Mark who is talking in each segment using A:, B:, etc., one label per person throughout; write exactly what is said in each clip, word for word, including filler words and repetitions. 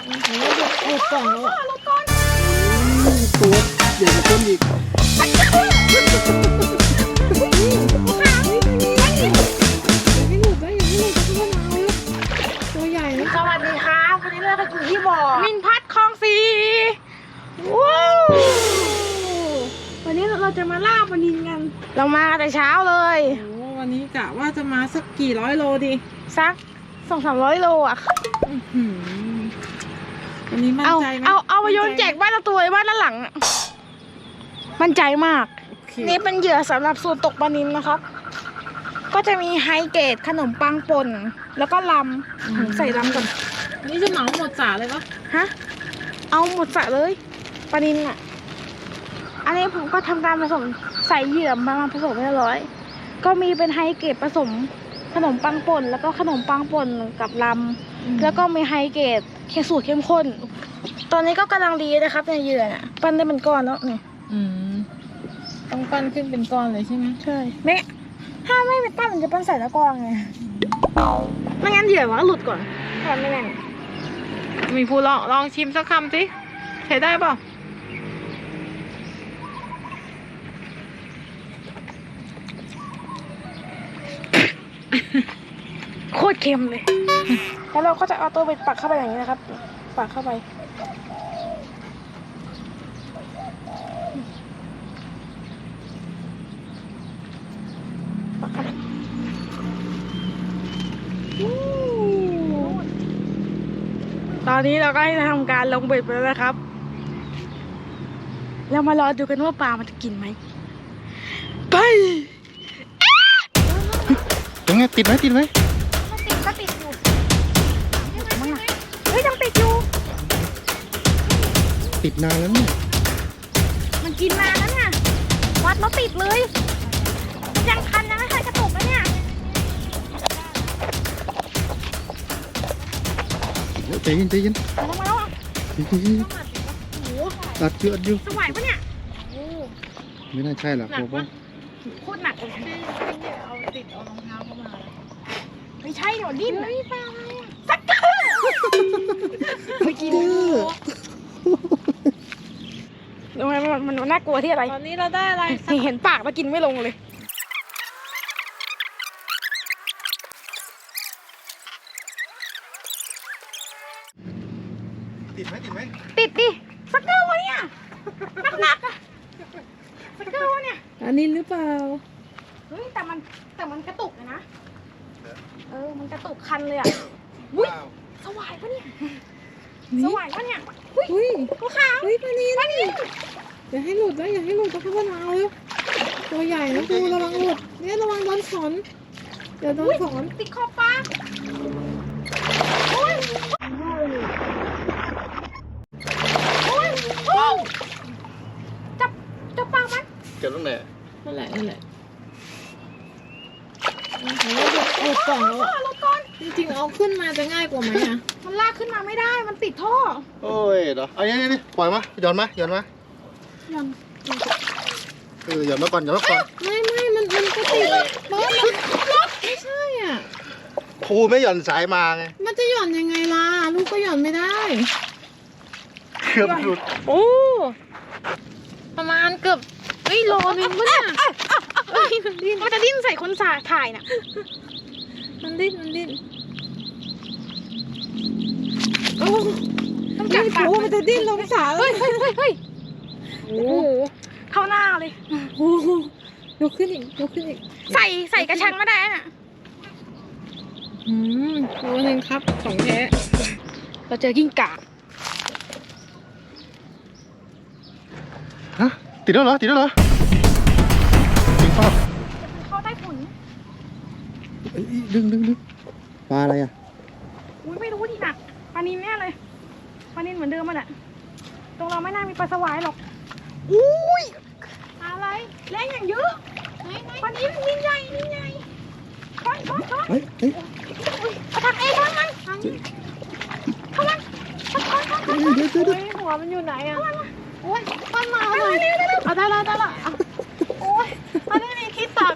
A: แล้วเด็กหลุดก่อนแล้วอ่ะ
B: หลุดก่อน
C: ตัวใหญ่กว่าต้นอีก
A: ไม่หลุดได้ยังไม่หลุดก็ต้องเอาตัวใหญ่นะ
B: สวัสดีครับวันนี้เราจะอยู่ที่บ่อมินพัดคลองสีว้าววันนี้เราจะมาล่าปลานิลกันเรามาแต่เช้าเลย
A: โอ้วันนี้กะว่าจะมาสักกี่ร้อยโลดี
B: สักสองสามร้อยโลอ่ะ
A: วันนี้มั่น
B: เอา
A: ใจไหม
B: เอาเอาไปโยนแจกบ้านละตัวบ้านละหลังอะมั่นใจมาก นี่เป็นเหยื่อสำหรับสูตรตกปลานิลนะครับ ก็จะมีไฮเกรดขนมปังป่นแล้วก็ลำใส่ลำก่อน
A: นี่จะเหมาหมดจ่าเลยปะ
B: ฮะเอาหมดสระเลยปลานิลอ่ะอันนี้ผมก็ทำการผสมใส่เหยื่อมาผสมเรียบร้อย ก็มีเป็นไฮเกรดผสมขนมปังป่นแล้วก็ขนมปังป่นกับลำแล้วก็มีไฮเกรดเคสูตรเข้มข้น ตอนนี้ก็กำลังดีนะครับในเหยื่อน่ะปั้นได้เป็นก้อนแล้วนี่
A: อืมต้องปั้นขึ้นเป็นก้อนเลยใช่ไหม
B: ใช่ไม่ถ้าไม่เป็นปั้นมันจะปั้นใส่ตะกร้อไงไม่งั้นเหยื่อมันก็หลุดก่อนถ้าไม่แน่น
A: มีผู้ลองลองชิมสักคำสิใช้ได้เปล่า
B: โคตรเค็มเลย แล้วเราก็จะเอาตัวเบ็ดปักเข้าไปอย่างนี้นะครับ ปักเข้าไปปักเข้าไปตอนนี้เราก็ให้ทำการลงเบ็ดไปแล้วนะครับ เรามารอดูกันว่าปลามันจะกินไหม ไป
C: ยังไงติดไหมติดไหม
B: มันติดก็ติดอยู่มั้งนะเฮ้ยยังติดอยู่
C: ติดนานแล้วเนี่ย
B: มันกินนานแล้วเนี่ย วัดแล้วติดเลยมันยังคันยังไม่เคยกระตุกนะเนี่ย
C: ใจเย็นใจเย็น
B: มาแล้วมาแล้วอ่ะโอ้โห
C: ตัดเยอะอยู่
B: สวายปะเนี่ยโอ้
C: ไม่น่าใช่หรอกผมว่า
B: โคตรหนักเลย
A: เอาติดเอารองเท้าเข้ามา
B: ไม่ใช่หรอดิ้นเฮ้ยปลาอะไรอ่ะสักเกอร์ไม่กินมันมันมันน่ากลัวที่อะไร
A: ตอนนี้เราได้อะไร
B: เห็นปากมากินไม่ลงเลย
C: ติดไหมติดไหม
B: ติดดิสักเกอร์วะเนี่ยหนักๆอะสักเกอร์วะเนี่ย
A: อันนี้หรือเปล่า
B: เฮ้ยแต่มันแต่มันกระตุกนะเออมันกระตุกคันเลยอ่ะอุ้ยสวายปะเนี่ยสวายปะเนี่ยอุ้ย
A: อุ้ย
B: ตัวขาว
A: เฮ้ยปลานิล
B: ปลานิล
A: อย่าให้หลุดนะอย่าให้หลุดต้องเข้ามาเอาเลยตัวใหญ่นะดูระวังหลุดเนี่ยระวังโดนสอนเดี๋ยวโดนสอน
B: ติดขอบปลาโอ้ยโอ้ยโอ้ยจับจับปลามัน
C: เจ็บตรงไหน
A: นั่นแหละนั่นแหละแล้วเด็กหลุดก่อนแล้วอ่ะ
B: รถก่อน
A: จริงๆเอาขึ้นมาจะง่ายกว่าไหมอ่ะ
B: มันลากขึ้นมาไม่ได้มันติดท่อ
C: โอ้ยเดี๋ยวเอาอย่างนี้นี่ปล่อยมาหย่อนมาหย่อนมา
B: ยัง
C: เออหย่อนมาก่อนหย่อนมาก่อน
A: ไม่ไม่มันมันก็ติดรถรถไม่ใช่อ่ะ
C: ครูไม่หย่อนสายมาไง
A: มันจะหย่อนยังไงล่ะลูกก็หย่อนไม่ได้
C: เกือบหลุด
A: โอ้ประมาณเกือบเฮ้ยโลนึงปะเนี่ยเฮ้ยมันดิ้น
B: มันจะดิ้นใส่คนสาถ่ายน่ะ
A: มันดิ้นมันดิ้น
B: โอ้ต้อง
A: จั
B: จั
A: บบ ปา
B: ปาก ก
A: มันจะดิ้นลงสาเล
B: เฮ้
A: ย
B: ยเฮ้ยเฮ้ยเฮ้ย
A: โอ้
B: โอ้โหเข้าหน้าเลย
A: โหยกขึ้นอีกยกขึ้นอีก
B: ใส่ใส่กระชังไม่ได้น่ะ
A: อืมโลนึงครับของแท้
B: เราเจอกิ้งก่า
C: ฮะติดแล้วเหรอติดแล้วเหรอจริงเปล่า
B: เข้าใต้ถุน
C: เอ้ยดึงดึงดึงปลาอะไรอ่ะ
B: อุ้ยไม่รู้ดิหนักปลานินแน่เลยปลานินเหมือนเดิมมันอะตรงเราไม่น่ามีปลาสวายหรอกอุ้ยอะไรแรงอย่างเยอะปลานินนินใหญ่นินใหญ่ช้อนช้อนช้อน
C: เฮ้ยเฮ้ย
B: อุ้ยเอาทางเอ้ช้อนมันทางนี้เข้ามันช้อนช้อนช้อนช้อน
C: เดี๋ยวเดี๋ยวเดี๋ยว
A: เฮ้ยหัวมันอยู่ไหนอ่ะ
B: โอ้ยต้นมาเอาเลยเอาได้แล้วได้แล้วโอ้ยอันนี้มีคิดตัก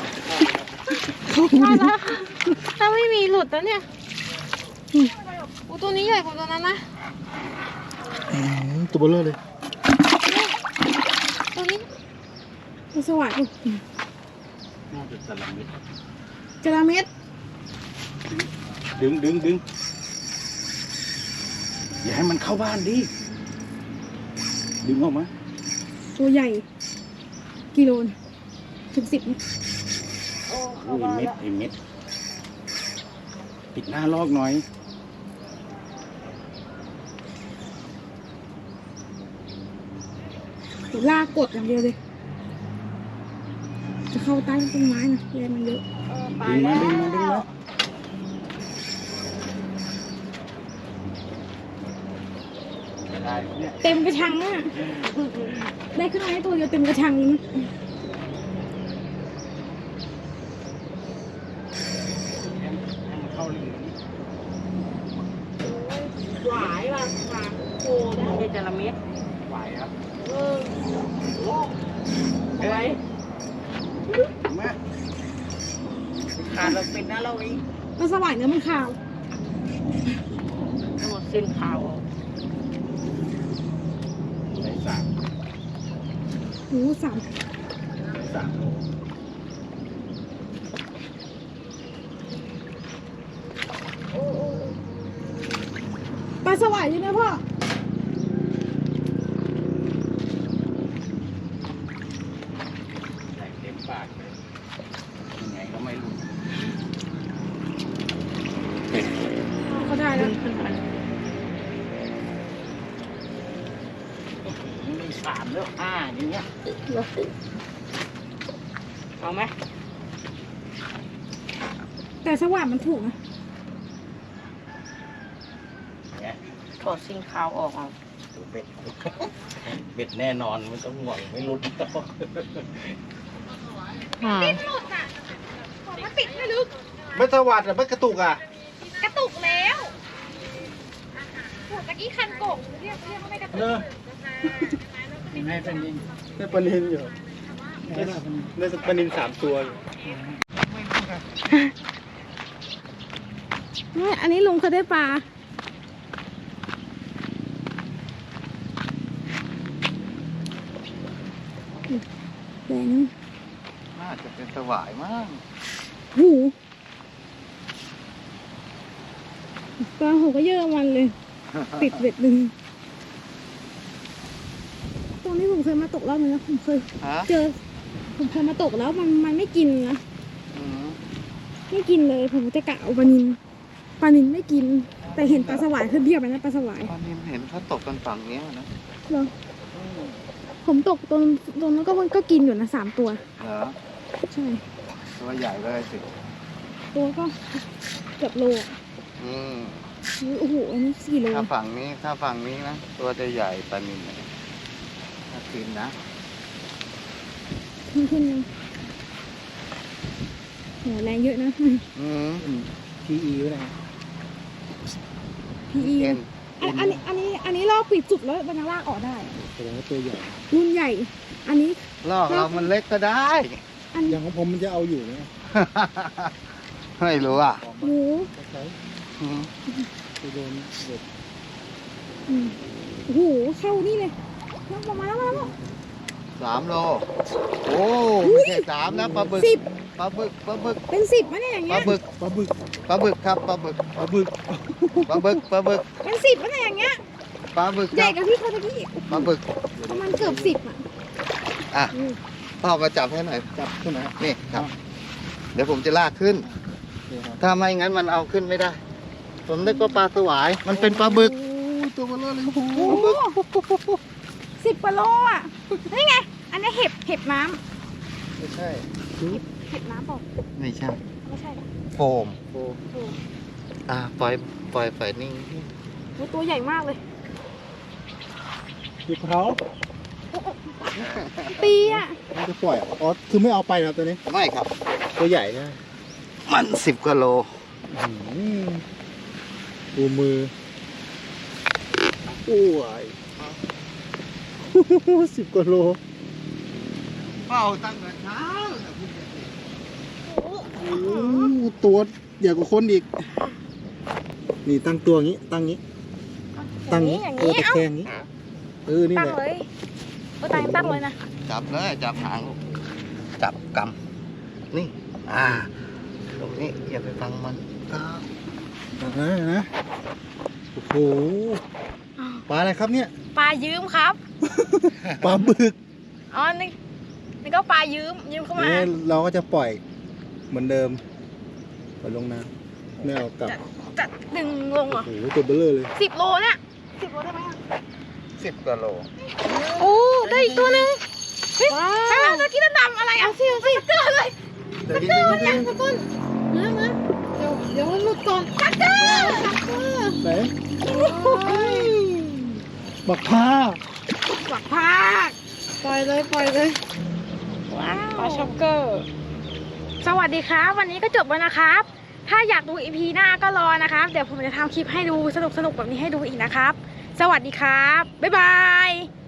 A: มาแล้วถ้าไม่มีหลุดแล้วเนี่ย
B: โ
A: อ้ตัวนี้ใหญ่กว่าตัวนั้นนะ
C: อืมตัวเบลอเลย
A: ตัวนี้ตัวสวัสดิ์
C: น่าจะจระเม็ด
A: จระเม็ด
C: ดึงดึงดึงอย่าให้มันเข้าบ้านดิดึงออกมา
A: ตัวใหญ่กิโลนะถึงสิบ
C: โอ้ยเม็ดไอเม็ดปิดหน้าลอกหน่อย
A: ลากกดอย่างเดียวเลย จะเข้าใต้ต้นไม้นะแรงมันเยอะ
C: ดึงมาดึงมาดึงมาได้เนี่ย
A: เต็มกระชังอ่ะ ได้ขึ้นมาให้ตัวเดียวเต็มกระชังเลยนะ
C: ให้มันเข้าลิงนี้
B: หวายว่ะหวายโคได้ไม่ใช่จระเม็ด
C: ไหวครับ
B: เอออะไร
C: มา
B: ขาดเราเป็นนะเราเอง
A: ปลาสวายเนื้อมันขาว
B: ทั้งหมดเส้นขาว
C: ใส่สาม
A: หูสาม
C: สามโล
A: ปลาสวายใช่ไหมพ่อ
C: ใส่เต็มปากเลยยังไงก็ไม่รู้
A: เขาได้แล้ว
C: มีสามแล้วห้าอย่างเงี้ย
B: เอาไหม
A: แต่สวายมันถูกนะ
C: เนี่ย
B: ถอดเส้นขาวออกเอา
C: ดูเบ็ด เบ็ดแน่นอนไม่ต้องห่วงไม่รุด
B: อ่า
A: หลุดอ่ะของมันติดไม่ลึก
C: ไม่สวัสดิ์อ่ะไม่กระตุกอ่ะ
A: กระตุกแล้วโหตะกี้คันโกงเรียกเรียกว่าไม่กระตุก
C: เนอะให้ปลานินได้ปลานินอยู่ได้ได้ปลานินสามตัวอยู่
A: ไม่อันนี้ลุงเขาได้ปลาแรง
C: น่าจะเป็นสวายมาก
A: หูปลาหูก็เยอะมันเลย ติดเบ็ดหนึ่งตรงนี้ผมเคยมาตกรอบนึงนะผมเคย
C: ฮะ
A: เจอ ผมเคยมาตกแล้วมันมันไม่กินนะ
C: อืม
A: ไม่กินเลย ผมจะกะเอาปลานินปลานินไม่กิน แต่เห็นปลาสวายขึ้นเทียบไปนะปลาสวาย
C: ปลานินเห็นเขาตกกันฝั่งเนี้ยนะ
A: เหรอผมตกตรงตรงนั้นก็ก็กินอยู่นะสามตัว
C: เหรอ
A: ใช่
C: ตัวใหญ่เลยสิ
A: ตัวก็เกือบโลอะ
C: อืม
A: โอ้โหอันนี้สี่โล
C: ถ้าฝั่งนี้ถ้าฝั่งนี้นะตัวจะใหญ่ปลานินนะถ้ากินนะ
A: ขึ้นขึ้นยังโหแรงเยอะนะ
C: อืมทีอีไว้ไหน
A: พีอี
C: เอ็น
A: อันนี้อันนี้อันนี้ลอกปิดสุดแล้วมันยังลากออกได้
C: แสดงว่าตัวใหญ่
A: รุ่นใหญ่ อันนี้
C: ลอกเรามันเล็กก็ได้
A: อัน
C: อย่างของผมมันจะเอาอยู่ไหม ไม่รู้อ่ะ
A: หมู
C: อืมไปโดนเด็ก
A: อืมโอ้โหเข้านี่เลยลอกออกมาแล้วมาแล้ว
C: สามโลโอ้ไม่ใช่สามนะปลาบึก
A: สิบ
C: ปลาบึกปลาบึก
A: เป็นสิบมะเนี่ยอย่าง
C: ป
A: เงี้
C: ลาย บึกปลาบึกปลาบึกครับปลาบึกปลาบึกปลาบึกปลาบึก
A: เป็นสิบมะเนี่ยอย่างเงี้ย
C: ปลาบึก
A: ให
C: ค
A: ญ่
C: รับ
A: กับพี่เขาตะกี้
C: ปลาบึก
A: ประมาณเกือบสิบอ่ะ
C: อ่ะ
A: อืม
C: พ่อมาจับให้หน่อยจับขึ้นนะนี่ครับ เดี๋ยวผมจะลากขึ้น ถ้าไม่งั้นมันเอาขึ้นไม่ได้ ผมนึกว่าปลาสวาย มันเป็นปลาบึกตัวมันเลยโอ้โห
A: โอ้โหสิบกว่าโลอ่ะนี่ไง อันนี้เห็บเห็บน้
C: ไม่ใช่
A: ำเห็บน้ำเปล่า
C: ไม่ใช่
A: ไม่ใช่
C: โฟม
A: โอ้โห
C: อ่าปล่อยปล่อยไฟนิ่ง
A: โอ้ตัวใหญ่มากเลย
C: หยิบเขา
A: ปีอ่ะ
C: ไม่จะปล่อยอ๋อคือไม่เอาไปนะตัวนี้ไม่ครับ ตัวใหญ่นะมันสิบกิโลดูมือโอ้ยสิบกิโลเฝ้าตั้งแต่เช้าโอ้ตัวใหญ่กว่าคนอีก น
D: นี่ตั้งตัวงี้ตั้งงี้
B: อ
D: ตั้
B: ย่าง งนี้
D: งี้
B: อย่าง
D: เออ
B: นี้
D: ตะ
B: เอ้า
D: แคงงี้เออนี่
B: ตั้
D: แห
B: ง
D: ละ
B: เลยเออตั้งตั้งเลยนะ
C: จับเลยจับหางลูกจับกำนี่ อ่า ตรงนี้อย่าไปฟังมันครับ
D: นะนะโอ้โหปลาอะไรครับเนี่ย
B: ปลายืมครับ
D: ปลาบึก
B: อ๋อนี่นี่ก็ปลายืมยืมเข้ามา
D: เนี่ยเราก็จะปล่อยเหมือนเดิมปล่อยลงน้ำไม่เอากลับ
B: จะจะดึงลงเหรอ
D: โอ้โหตัวเบลเลอร์เลย
B: สิบโลเนี่ยสิบโลได้ไหมอะ
C: สิบกว่าโล
B: โอ้ได้อีกตัวหนึงเฮ้ยใช่ไหมเมื่อกี้นั่นดำอะไรอ่ะสิสิเกินเลย
C: เดี๋ยวนี้
A: มันยังสักคนมามาเดี๋ยวเดี๋ยวมันหลุดก่อนชักเกอร์ชักเกอร์
D: ไหน
A: โอ้ย
D: บักผ้า
B: หวักพาก
A: ปล่อยเลยปล่อยเลย
B: ว้าวปลาช็อกเกอร์ สวัสดีครับ วันนี้ก็จบแล้วนะครับ ถ้าอยากดูอีพีหน้าก็รอนะครับ เดี๋ยวผมจะทำคลิปให้ดูสนุกๆแบบนี้ให้ดูอีกนะครับ สวัสดีครับ บ๊ายบาย